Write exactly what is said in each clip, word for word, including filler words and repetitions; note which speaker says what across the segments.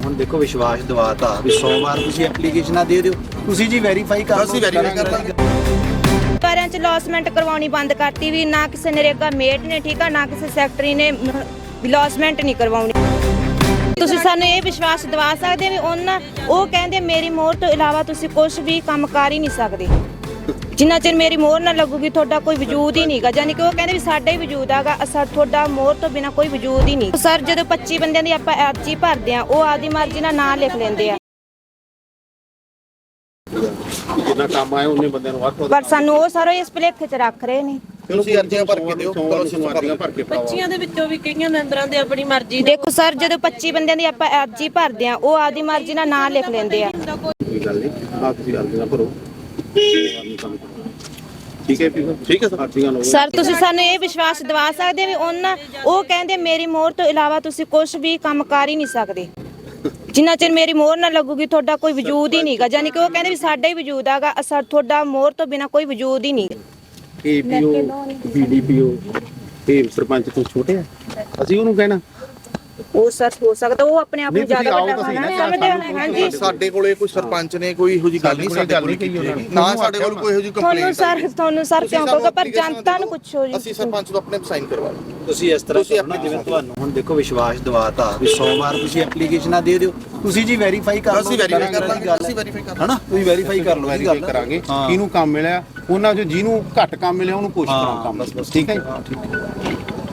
Speaker 1: ਹੁਣ ਦੇਖੋ ਵਿਸ਼ਵਾਸ ਦਿਵਾਤਾ ਵੀ ਸੋਮਵਾਰ ਤੁਸੀਂ ਐਪਲੀਕੇਸ਼ਨਾਂ ਦੇ ਦਿਓ, ਤੁਸੀਂ ਜੀ ਵੈਰੀਫਾਈ ਕਰ ਲਓ।
Speaker 2: ਅਸੀਂ ਵੈਰੀਫਾਈ ਕਰ ਲਾਂਗੇ।
Speaker 3: ਸਾਰਿਆਂ ਚ ਲੌਸਮੈਂਟ ਕਰਵਾਉਣੀ ਬੰਦ ਕਰਤੀ ਵੀ ਨਾ ਕਿਸੇ ਨਰੇਗਾ ਮੇਟ ਨੇ ਠੀਕ ਆ ਨਾ ਕਿਸੇ ਸੈਕਟਰੀ ਨੇ ਲੌਸਮੈਂਟ ਨਹੀਂ ਕਰਵਾਉਣੀ। ਤੁਸੀਂ ਸਾਨੂੰ ਇਹ ਵਿਸ਼ਵਾਸ ਦਿਵਾ ਸਕਦੇ ਵੀ ਉਹਨਾਂ ਉਹ ਕਹਿੰਦੇ ਮੇਰੀ ਮੋਹਰ ਤੋਂ ਇਲਾਵਾ ਤੁਸੀਂ ਕੁਝ ਵੀ ਕੰਮ ਕਰ ਹੀ ਨਹੀਂ ਸਕਦੇ। ਜਿੰਨਾ ਚਿਰ ਮੇਰੀ ਮੋਹਰ ਨਾ ਲੱਗੂਗੀ ਤੁਹਾਡਾ ਕੋਈ ਵਜੂਦ ਹੀ ਨਹੀਂਗਾ, ਯਾਨੀ ਕਿ ਉਹ ਕਹਿੰਦੇ ਵੀ ਸਾਡਾ ਹੀ ਵਜੂਦ ਹੈਗਾ, ਅਸਰ ਤੁਹਾਡਾ ਮੋਹਰ ਤੋਂ ਬਿਨਾ ਕੋਈ ਵਜੂਦ ਹੀ ਨਹੀਂ। ਸਰ ਜਦੋਂ ਪੱਚੀ ਬੰਦਿਆਂ ਦੀ ਆਪਾਂ ਅਰਜ਼ੀ ਭਰਦੇ ਆ ਉਹ ਆਪਦੀ ਮਰਜ਼ੀ ਨਾਲ ਨਾਂ ਲਿਖ ਲੈਂਦੇ ਆ,
Speaker 4: ਜਿੰਨਾ ਕੰਮ ਆਇਆ ਉਹਨੇ ਬੰਦਿਆਂ ਨੂੰ ਵੱਧ
Speaker 3: ਪਰ ਸਾਨੂੰ ਉਹ ਸਾਰਾ ਇਸ ਭੁਲੇਖੇ 'ਚ ਰੱਖ ਰਹੇ ਨੇ।
Speaker 2: ਤੁਸੀਂ ਅਰਜ਼ੀਆਂ ਭਰ ਕੇ ਦਿਓ, ਚਲੋ
Speaker 4: ਸੋਮਵਾਰੀਆਂ ਭਰ ਕੇ ਪਾਓ।
Speaker 5: ਬੱਚਿਆਂ ਦੇ ਵਿੱਚੋਂ ਵੀ ਕਈਆਂ ਮੈਂਬਰਾਂ ਦੇ ਆਪਣੀ ਮਰਜ਼ੀ
Speaker 3: ਦੇਖੋ ਸਰ ਜਦੋਂ ਪੱਚੀ ਬੰਦਿਆਂ ਦੀ ਆਪਾਂ ਅਰਜ਼ੀ ਭਰਦੇ ਆ ਉਹ ਆਪਦੀ ਮਰਜ਼ੀ ਨਾਲ ਨਾਂ ਲਿਖ ਲੈਂਦੇ ਆ।
Speaker 4: ਕੋਈ ਗੱਲ ਨਹੀਂ, ਆਪ ਤੁਸੀਂ ਅਰਜ਼ੀਆਂ ਭਰੋ, ਠੀਕ ਹੈ ਠੀਕ ਹੈ ਅਰਜ਼ੀਆਂ ਲਓ।
Speaker 3: ਸਰ ਤੁਸੀਂ ਸਾਨੂੰ ਇਹ ਵਿਸ਼ਵਾਸ ਦਿਵਾ ਸਕਦੇ ਵੀ ਉਹਨਾਂ ਉਹ ਕਹਿੰਦੇ ਮੇਰੀ ਮੋਹਰ ਤੋਂ ਇਲਾਵਾ ਤੁਸੀਂ ਕੁਝ ਵੀ ਕੰਮ ਕਰ ਹੀ ਨਹੀਂ ਸਕਦੇ। ਜਿੰਨਾ ਚਿਰ ਮੇਰੀ ਮੋਹਰ ਨਾ ਲੱਗੂਗੀ ਤੁਹਾਡਾ ਕੋਈ ਵਜੂਦ ਹੀ ਨਹੀਂਗਾ, ਯਾਨੀ ਕਿ ਉਹ ਕਹਿੰਦੇ ਵੀ ਸਾਡਾ ਹੀ ਵਜੂਦ ਹੈਗਾ, ਅਸਰ ਤੁਹਾਡਾ ਮੋਹਰ ਤੋਂ ਬਿਨਾ ਕੋਈ ਵਜੂਦ ਹੀ ਨਹੀਂ।
Speaker 4: ਏਪੀਓ ਬੀਡੀਪੀਓ ਇਹ ਸਰਪੰਚ ਤੋਂ ਛੋਟੇ ਆ, ਅਸੀਂ ਉਹਨੂੰ ਕਹਿਣਾ
Speaker 3: ਉਹ ਸਰ ਹੋ ਸਕਦਾ ਉਹ ਆਪਣੇ ਆਪ ਨੂੰ ਜ਼ਿਆਦਾ ਵੱਡਾ ਸਮਝਦੇ ਹਨ। ਹਾਂਜੀ
Speaker 2: ਸਾਡੇ ਕੋਲੇ ਕੋਈ ਸਰਪੰਚ ਨੇ ਕੋਈ ਇਹੋ ਜਿਹੀ ਗੱਲ ਨਹੀਂ ਸਾਡੇ ਕੋਲ ਕੀਤੀ, ਨਾ ਸਾਡੇ ਕੋਲ ਕੋਈ ਇਹੋ ਜਿਹੀ
Speaker 3: ਤੁਹਾਨੂੰ
Speaker 2: ਕੰਪਲੇਂਟ।
Speaker 3: ਸਰ ਤੁਹਾਨੂੰ ਸਰ ਕਿਉਂ ਕਹੋਗੇ, ਪਰ ਜਨਤਾ ਨੂੰ ਪੁੱਛੋ ਜੀ।
Speaker 2: ਅਸੀਂ ਸਰਪੰਚ ਤੋਂ ਆਪਣੇ ਸਾਈਨ ਕਰਵਾ ਲਓ।
Speaker 1: ਤੁਸੀਂ ਇਸ ਤਰ੍ਹਾਂ ਕਰਨਾ ਜਿਵੇਂ ਤੁਹਾਨੂੰ ਹੁਣ ਦੇਖੋ ਵਿਸ਼ਵਾਸ ਦਿਵਾਤਾ ਵੀ ਸੋਮਵਾਰ ਤੁਸੀਂ ਐਪਲੀਕੇਸ਼ਨਾਂ ਦੇ ਦਿਓ, ਤੁਸੀਂ ਜੀ ਵੈਰੀਫਾਈ ਕਰ ਲਓ।
Speaker 2: ਅਸੀਂ ਵੈਰੀਫਾਈ ਕਰ ਲਾਂਗੇ, ਅਸੀਂ ਵੈਰੀਫਾਈ ਕਰ
Speaker 1: ਹਨਾ ਤੁਸੀਂ ਵੈਰੀਫਾਈ ਕਰ ਲਓ, ਇਹ
Speaker 4: ਵੈਰੀਫਾਈ
Speaker 1: ਗੱਲ
Speaker 4: ਕਰਾਂਗੇ ਕਿਹਨੂੰ ਕੰਮ ਮਿਲਿਆ, ਉਹਨਾਂ ਚੋਂ ਜਿਹਨੂੰ ਘੱਟ ਕੰਮ ਮਿਲਿਆ ਉਹਨੂੰ ਪੁੱਛ ਕਰਾਂ ਕੰਮ, ਠੀਕ ਹੈ ਜੀ।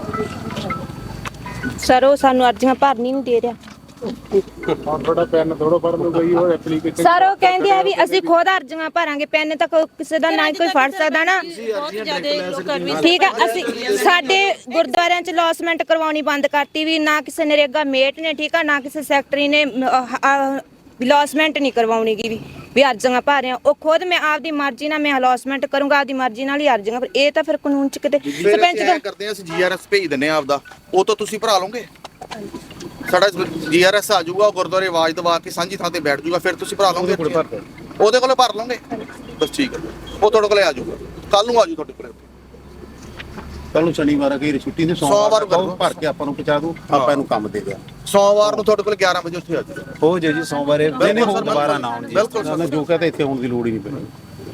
Speaker 3: ਸਰ ਉਹ ਸਾਨੂੰ ਅਰਜ਼ੀਆਂ ਭਰਨੀ ਨਹੀਂ ਦੇ ਰਿਹਾ।
Speaker 4: ਹੁਣ ਥੋੜਾ ਪੈਨ ਥੋੜਾ ਪੜ ਲਓ ਗਈ ਉਹ ਐਪਲੀਕੇਸ਼ਨ।
Speaker 3: ਸਰ ਉਹ ਕਹਿੰਦੇ ਆ ਵੀ ਅਸੀਂ ਖੁਦ ਅਰਜ਼ੀਆਂ ਭਰਾਂਗੇ, ਪੈਨ ਤਾਂ ਕੋਈ- ਕਿਸੇ ਦਾ ਨਾ ਕੋਈ ਫੜ ਸਕਦਾ ਨਾ। ਠੀਕ ਆ, ਅਸੀਂ ਸਾਡੇ ਗੁਰਦੁਆਰਿਆਂ 'ਚ ਲੌਸਮੈਂਟ ਕਰਵਾਉਣੀ ਬੰਦ ਕਰਤੀ ਵੀ ਨਾ ਕਿਸੇ ਨਰੇਗਾ ਮੇਟ ਨੇ ਠੀਕ ਆ ਨਾ ਕਿਸੇ ਸੈਕਟਰੀ ਨੇ ਲੌਸਮੈਂਟ ਨਹੀਂ ਕਰਵਾਉਣੀ ਗੀ ਵੀ ਵੀ ਅਰਜ਼ੀਆਂ ਭਰ ਰਹੇ ਆ। ਉਹ ਖੁਦ ਮੈਂ ਆਪਦੀ ਮਰਜ਼ੀ ਨਾਲ ਮੈਂ ਲੌਸਮੈਂਟ ਕਰੂੰਗਾ, ਆਪਦੀ ਮਰਜ਼ੀ ਨਾਲ ਹੀ ਅਰਜ਼ੀਆਂ। ਪਰ ਇਹ ਤਾਂ ਫਿਰ ਕਾਨੂੰਨ 'ਚ ਕਿਤੇ ਸਰਪੰਚ
Speaker 2: ਸਰਪੰਚ ਕਰਦੇ ਆ, ਅਸੀਂ ਜੀਆਰਐਸ ਭੇਜ ਦਿੰਨੇ ਆ ਆਪਦਾ, ਉਹ ਤਾਂ ਤੁਸੀਂ ਭਰਾ ਲਓਗੇ। ਸਾਡਾ ਜੀਆਰਐਸ ਆ ਜਾਊਗਾ, ਗੁਰਦੁਆਰੇ ਆਵਾਜ਼ ਦਵਾ ਕੇ ਸਾਂਝੀ ਥਾਂ ਤੇ ਬੈਠ ਜਾਊਗਾ, ਫਿਰ ਤੁਸੀਂ ਭਰਾ ਲਓਗੇ। ਉਹਦੇ ਕੋਲੇ ਭਰ ਲਓਗੇ ਬਸ, ਠੀਕ ਹੈ। ਉਹ ਤੁਹਾਡੇ ਕੋਲੇ ਆ ਜਾਊਗਾ, ਕੱਲ ਨੂੰ ਆ ਜਾਊ ਤੁਹਾਡੇ ਕੋਲੇ।
Speaker 4: ਕੱਲ ਨੂੰ ਸ਼ਨੀਵਾਰ ਆ ਗਈ ਛੁੱਟੀ ਤੇ ਸੋਮਵਾਰ ਭਰ ਕੇ ਆਪਾਂ ਨੂੰ ਪਹੁੰਚਾ ਦੂ, ਆਪਾਂ ਇਹਨੂੰ ਕੰਮ ਦੇ ਦਿਆ।
Speaker 2: ਸੋਮਵਾਰ ਨੂੰ ਤੁਹਾਡੇ ਕੋਲ ਗਿਆਰਾਂ ਵਜੇ ਉੱਥੇ ਆ ਜਾਊਗਾ।
Speaker 1: ਹੋ ਜੇ ਜੀ ਸੋਮਵਾਰੇ ਦਿਨੇ ਹੋ ਦੁਬਾਰਾ ਨਾ ਆਉਣ ਜੀ।
Speaker 2: ਬਿਲਕੁਲ
Speaker 4: ਜੋ ਕਹਤਾ ਇੱਥੇ ਆਉਣ ਦੀ ਲੋੜ ਹੀ ਨਹੀਂ ਪੈਣੀ।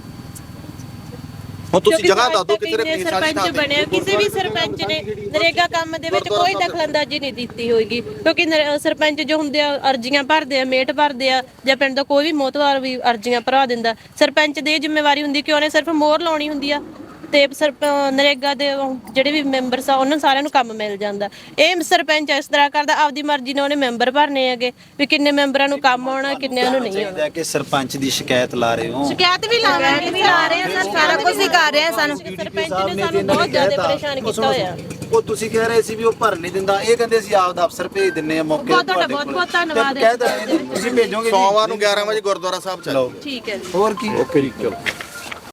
Speaker 2: ਹੁਣ ਤੁਸੀਂ ਜਗ੍ਹਾ ਦੱਸ ਦਿਓ ਕਿਤੇ
Speaker 5: ਕਿਤੇ ਸਰਪੰਚ ਬਣਿਆ, ਕਿਸੇ ਵੀ ਸਰਪੰਚ ਨੇ ਨਰੇਗਾ ਕੰਮ ਦੇ ਵਿੱਚ ਕੋਈ ਦਖਲਅੰਦਾਜ਼ੀ ਨਹੀਂ ਦਿੱਤੀ ਹੋਏਗੀ, ਕਿਉਂਕਿ ਨਰ- ਸਰਪੰਚ ਜੋ ਹੁੰਦੇ ਆ ਅਰਜ਼ੀਆਂ ਭਰਦੇ ਆ, ਮੇਟ ਭਰਦੇ ਆ, ਜਾਂ ਪਿੰਡ ਦਾ ਕੋਈ ਵੀ ਮੋਹਤਵਾਰ ਵੀ ਅਰਜ਼ੀਆਂ ਭਰਾ ਦਿੰਦਾ। ਸਰਪੰਚ ਦੀ ਜ਼ਿੰਮੇਵਾਰੀ ਹੁੰਦੀ ਕਿ ਉਹਨੇ ਸਿਰਫ ਮੋਹਰ ਲਾਉਣੀ ਹੁੰਦੀ ਆ ਤੇ ਨਰੇਗਾ ਦੇ ਜਿਹੜੇ ਵੀ ਮੈਂਬਰ ਆ ਉਹਨਾਂ ਸਾਰਿਆਂ ਨੂੰ ਕੰਮ ਮਿਲ ਜਾਂਦਾ। ਇਹ ਸਰਪੰਚ ਇਸ ਤਰ੍ਹਾਂ ਕਰਦਾ, ਆਪਦੀ ਮਰਜ਼ੀ ਨਾਲ ਉਹਨੇ ਮੈਂਬਰ ਭਰਨੇ ਹੈਗੇ ਵੀ ਕਿੰਨੇ ਮੈਂਬਰਾਂ ਨੂੰ ਕੰਮ ਆਉਣਾ ਕਿੰਨਿਆਂ ਨੂੰ ਨਹੀਂ ਆਉਣਾ।
Speaker 1: ਕਿ ਸਰਪੰਚ ਦੀ ਸ਼ਿਕਾਇਤ ਲਾ ਰਹੇ ਹੋ,
Speaker 5: ਸ਼ਿਕਾਇਤ ਵੀ ਲਾਵਾਂਗੇ, ਵੀ ਲਾ ਰਹੇ ਆ, ਸਾਰਾ ਕੁਝ ਹੀ ਕਰ ਰਹੇ ਆ। ਸਾਨੂੰ ਸਰਪੰਚ ਨੇ ਸਾਨੂੰ ਬਹੁਤ ਜ਼ਿਆਦਾ ਪਰੇਸ਼ਾਨ ਕੀਤਾ ਹੋਇਆ।
Speaker 1: ਉਹ ਤੁਸੀਂ ਕਹਿ ਰਹੇ ਸੀ ਵੀ ਉਹ ਭਰ ਨਹੀਂ ਦਿੰਦਾ, ਇਹ ਕਹਿੰਦੇ ਅਸੀਂ ਆਪ ਦਾ ਅਫਸਰ ਭੇਜ ਦਿੰਨੇ ਆ ਮੌਕੇ
Speaker 5: ਬਹੁਤ ਤੁਹਾਡਾ ਬਹੁਤ ਬਹੁਤ ਧੰਨਵਾਦ ਹੈ।
Speaker 1: ਕਹਿ ਦਿੰਦੇ ਤੁਸੀਂ ਭੇਜੋਗੇ
Speaker 2: ਸੋਮਵਾਰ ਨੂੰ ਗਿਆਰਾਂ ਵਜੇ ਗੁਰਦੁਆਰਾ ਸਾਹਿਬ ਚਲੋ।
Speaker 5: ਠੀਕ ਹੈ ਜੀ।
Speaker 1: ਹੋਰ ਕੀ
Speaker 4: ਓਕੇ ਜੀ ਚਲੋ।